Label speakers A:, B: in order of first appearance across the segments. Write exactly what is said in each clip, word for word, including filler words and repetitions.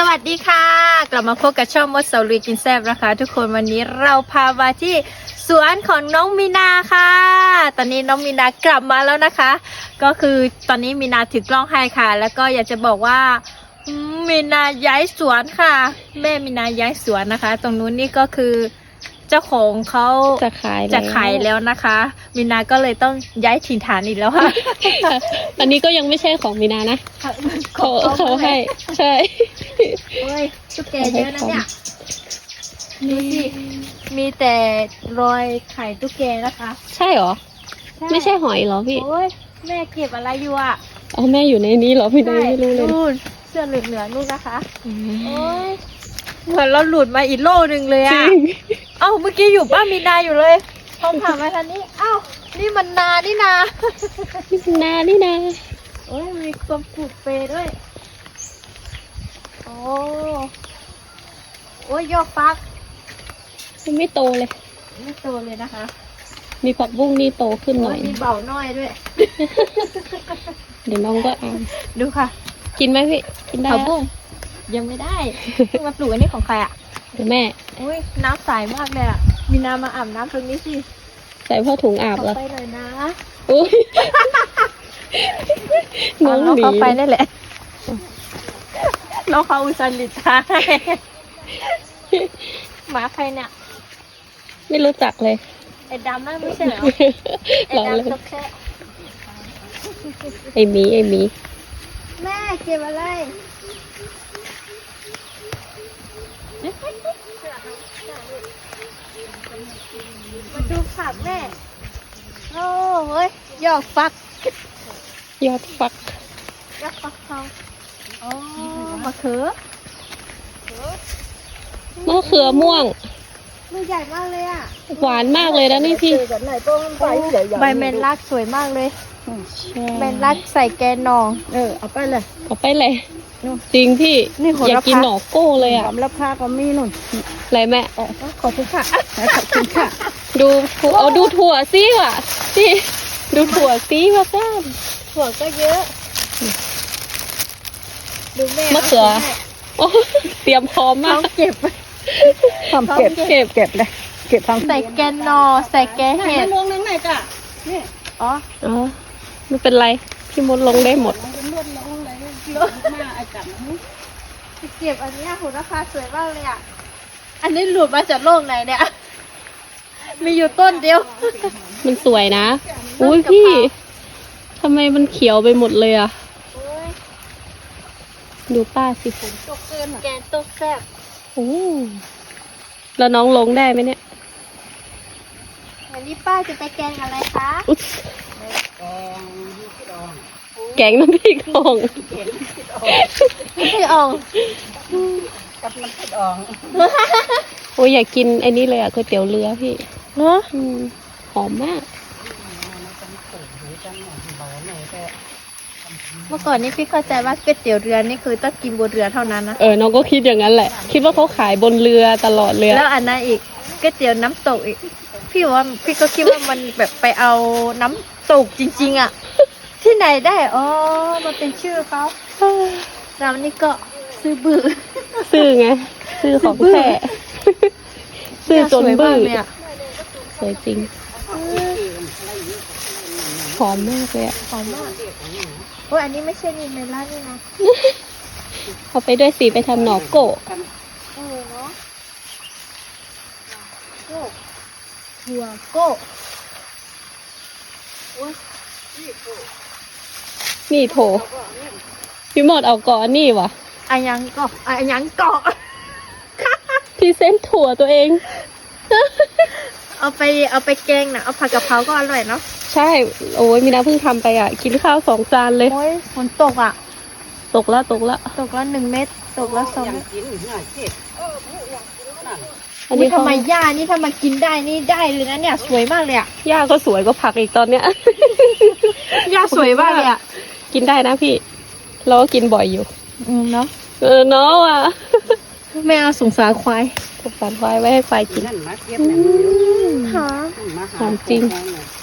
A: วัสดีค่ะกลับมาพบกับช่องมดเสาลุยกินแซ่บนะคะทุกคนวันนี้เราพามาที่สวนของน้องมีนาค่ะตอนนี้น้องมีนากลับมาแล้วนะคะก็คือตอนนี้มีนาถือกล้องให้ค่ะแล้วก็อยากจะบอกว่ามีนาย้ายสวนค่ะแม่มีนาย้ายสวนนะคะตรงนู้นนี่ก็คือเจ้าของเขาจะขายจะขายแล้วนะคะมีนาก็เลยต้องย้ายถิ่นฐานอีกแล้วค่ะ
B: อันนี้ก็ยังไม่ใช่ของมีนานะเขาเขาให้ใช่
A: โอ้ยตุ๊กแกเยอะนะเนี่ยดูสิมีแต่รอยไข่ตุ๊กแกนะคะ
B: ใช่เหรอไม่ใช่หอยเหรอพี่
A: โอ้ยแม่เก็บอะไรอยู่อ่ะ
B: อ๋อแม่อยู่ในนี้เหรอพี่นาไม่รู้เลย
A: นู่นเสื้อเหลืองเหลืองนู่นนะคะโอ้ยเหมือนเราหลุดมาอีกโลนึงเลยอ่ะเอ้าเมื่อกี้อยู่ป้ามีนาอยู่เลยพอผ่านมาทางนี้เอ้านี่มันนานี่นา
B: นี่นานี่นา
A: โอ้ยมีความปลูกเปรด้วยโอ้โอ้ยยอดฟัก
B: มันไม่โตเลย
A: ไม่โตเลยนะคะ
B: มีผักบุ้งนี่โตขึ้นหน่อย
A: มีเบาน้อยด้วย
B: เดี๋ยวน้องก็เอา
A: ดูค่ะ
B: กินไหมพี่กินได้ผักบุ้ง
A: ยังไม่ได้เพิ่งมาปลูกอันนี้ของใครอ่ะ
B: เดี๋ยวแม่
A: อุ้ยน้ำใสมากเลยอ่ะมีน้ำมาอาบน้ำตรงนี้สิ
B: ใส่ผ้าถุงอาบแล้ว
A: ไปหน่อยนะ
B: อุ้ยน้องหนี
A: เขาไปได้แหละน้องเขาอุตส่าห์หลีกทางหมาใครเนี่ย
B: ไม่รู้จักเลย
A: ไอ้ดำนั่นไม่ใช่เหรอไอ้ดำตกแค่
B: ไอ้หมีไอ้หมี
A: แม่เก็บอะไรมาดูผักแม่โอ้เฮ้ยยอดฟัก
B: ยอดฟัก
A: ยอดฟักทองอ๋อมะเขือ
B: มะเขือม่วง
A: มือใหญ่มากเลยอ่ะ
B: หวานมากเลยนะนี่พี่
A: ใบเมนลักสวยมากเลยเมนลักใส่แกนนอง
C: เออเอาไปเลย
B: เอาไปเลยจริงพี่อยากกินหน่อโก้เลยอ่ะ
C: สำหรับผ้าก็มีนุ่น
B: อะไรแม่
A: ขอบคุณค่ะ
C: ขอบคุณค่ะ
B: ดูเอาดูถั่วซิว่ะพี่ดูถั่วซิว่าก้าน
A: ถั่วก็เยอะดูแม่
B: มะเขือเตรียมพร้อมมาก
A: เก็บ
C: ทำเก็บเก็บเก็บเลยเก็บทั้ง
A: ใส่แกนนอใส่แกเห็ด
C: ลงนึงไหนจ้ะนี่
A: อ๋อ
B: อ๋อไม่เป็นไรพี่มดลงได้หมด
A: เก็บอันนี้หุ่นราคาสวยมากเลยอ่ะอันนี้หลุดมาจากโลกไหนเนี่ยมีอยู่ต้นเดียว
B: มันสวยนะอุ้ยพี่ทำไมมันเขียวไปหมดเลยอ่ะดูป้าสิ
A: แกงต้มแซ่บ
B: โอ้แล้วน้องลงได้ไหมเนี่ย
A: วันนี้ป้าจะไปแกงอะไรคะ
B: แกงน้ำพริกอ่อง
A: ไม่ใช่อ่อง
C: กับน้ำพริกอ่อง
B: โอ้ยอยากกินไอ้นี่เลยอ่ะก๋วยเตี๋ยวเรือพี่
A: เนาะ
B: หอมมาก
A: เมื่อก่อนนี้พี่เข้าใจว่าก๋วยเตี๋ยวเรือนี่คือต้องกินบนเรือเท่านั้นนะ
B: เออน้องก็คิดอย่างนั้นแหละคิดว่าเขาขายบนเรือตลอดเลย
A: แล้วอันนั้นอีกก๋วยเตี๋ยวน้ำตกอีกพี่ว่าพี่ก็คิดว่ามันแบบไปเอาน้ำตกจริงๆอ่ะที่ไหนได้อ๋อมันเป็นชื่อเขาเรานี่ก็ซื้อบื้อ
B: ซื้อไงซื้อของแท้ซื้อจนบื้อสวยจริงหอมมากเลยอ่ะ
A: หอมมากโอ้ยอันนี้ไม่ใช่นิเมล่านี่นะ
B: เอาไปด้วยสีไปทำหน่อโกะ
A: เออเนาะโก้หัวโก้โอ้ย
B: นี่โถพี่หมดเอาเกาะนี่วะ
A: อันยังเกาะอันยังเกาะ
B: พี่เส้นถั่วตัวเอง
A: เอาไปเอาไปแกงนะเอาผัดกะเพราก็อร่อยเนาะ
B: ใช่โอ้ยมีน้าเพิ่งทำไปอ่ะกินข้าวสองจานเลย
A: โอ้ยฝนตกอ่ะ
B: ตกแล้วตกแล้ว
A: ตกแล้วหนึ่งเม็ดตกแล้วสองเม็ด
B: อันนี้
A: ทำไมหญ้านี่ถ้ามากินได้นี่ได้เลยนะเนี่ยสวยมากเลยอ่ะ
B: หญ้าก็สวยก็ผักอีกตอนเนี้ย
A: หญ้าสวยมากเลยอ่ะ
B: กินได้นะพี่เราก็กินบ่อยอยู่
A: อืมเนาะ
B: เออเนาะว่ะ
A: ไม่เอาสงสารควาย
B: สงสารควายไว้ให้ควายกิน
A: หอม
B: หอมจริง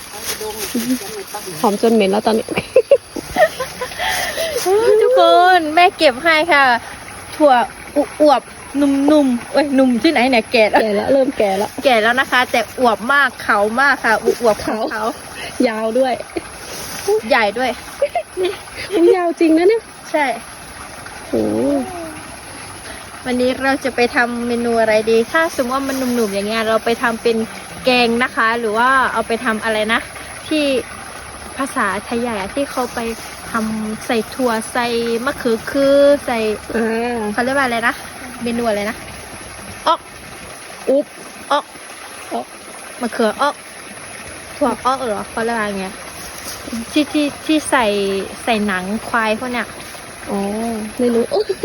B: หอมจนเหม็นแล้วตอนนี้
A: ทุกคนแม่เก็บให้ค่ะถั่วอวบๆนุ่มๆเอ้ยหนุ่มที่ไหนเนี่ยแก่แล้ว
B: แก่แล้วเริ่มแก่แล้ว
A: แก่แล้วนะคะ แต่อวบมากเขามากค่ะอวบๆของ
B: เขา
A: เขา
B: ยาวด้วย
A: ใหญ่ด้วย
B: มันยาวจริงนะเนี่ย
A: ใช่
B: โอ้
A: วันนี้เราจะไปทำเมนูอะไรดี ถ้าสมมติว่ามันหนุ่มๆอย่างเงี้ยเราไปทำเป็นแกงนะคะ หรือว่าเอาไปทำอะไรนะ ที่ภาษาไทยใหญ่อะที่เขาไปทำใส่ถั่วใส่มะเขือคือใส่
B: อ่า
A: เขาเรียกว่าอะไรนะเมนูอะไรนะออก
B: อุ๊บ
A: ออก
B: ออก
A: มะเขือออกถั่วออกเหรอเขาเรียกว่าไงที่ที่ที่ใส่ใส่หนังควายพวกเนี้ย
B: อ๋อไม่รู้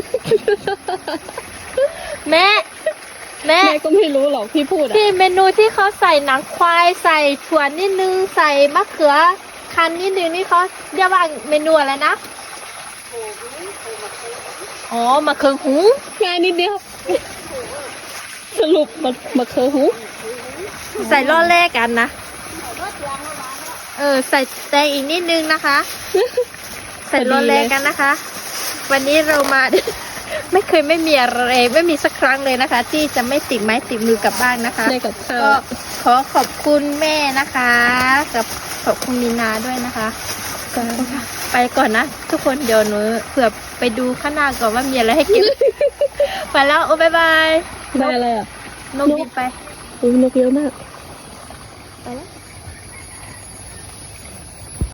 A: แม่แม่
B: แม่ก็ไม่รู้หรอกพี่พูดอ่ะ
A: ที่เมนูที่เขาใส่หนังควายใส่ถั่วนิดนึงใส่มะเขือคั้นนิดนึงนี่เขาเรียกว่าเมนูอะไรนะอ๋อมะเขือหู
B: ง่ายนิดเดียว สรุปมามาเคอหู
A: ใส่ล่อแรกกันนะเออใส่แตงอีกนิดนึงนะคะ ใส่ล่อแรกกันนะคะ วันนี้เรามา ไม่เคยไม่มีอะไรไม่มีสักครั้งเลยนะคะ ที่จะไม่ติดไม้ติดมือกลับบ้านนะคะ
B: ได้กับข้าว
A: ก็ขอขอบคุณแม่นะคะกับขอบคุณมีนาด้วยนะคะ ไปก่อนนะ ทุกคนเดี๋ยวหนูเผื่อไปดูข้างหน้าก่อนว่ามีอะไรให้กิน ไปแล้วโอ้บายบาย
B: ได้อะไรอ่ะ
A: นกบินไป
B: อุ้ยนกเยอะมาก
A: ไปแล้ว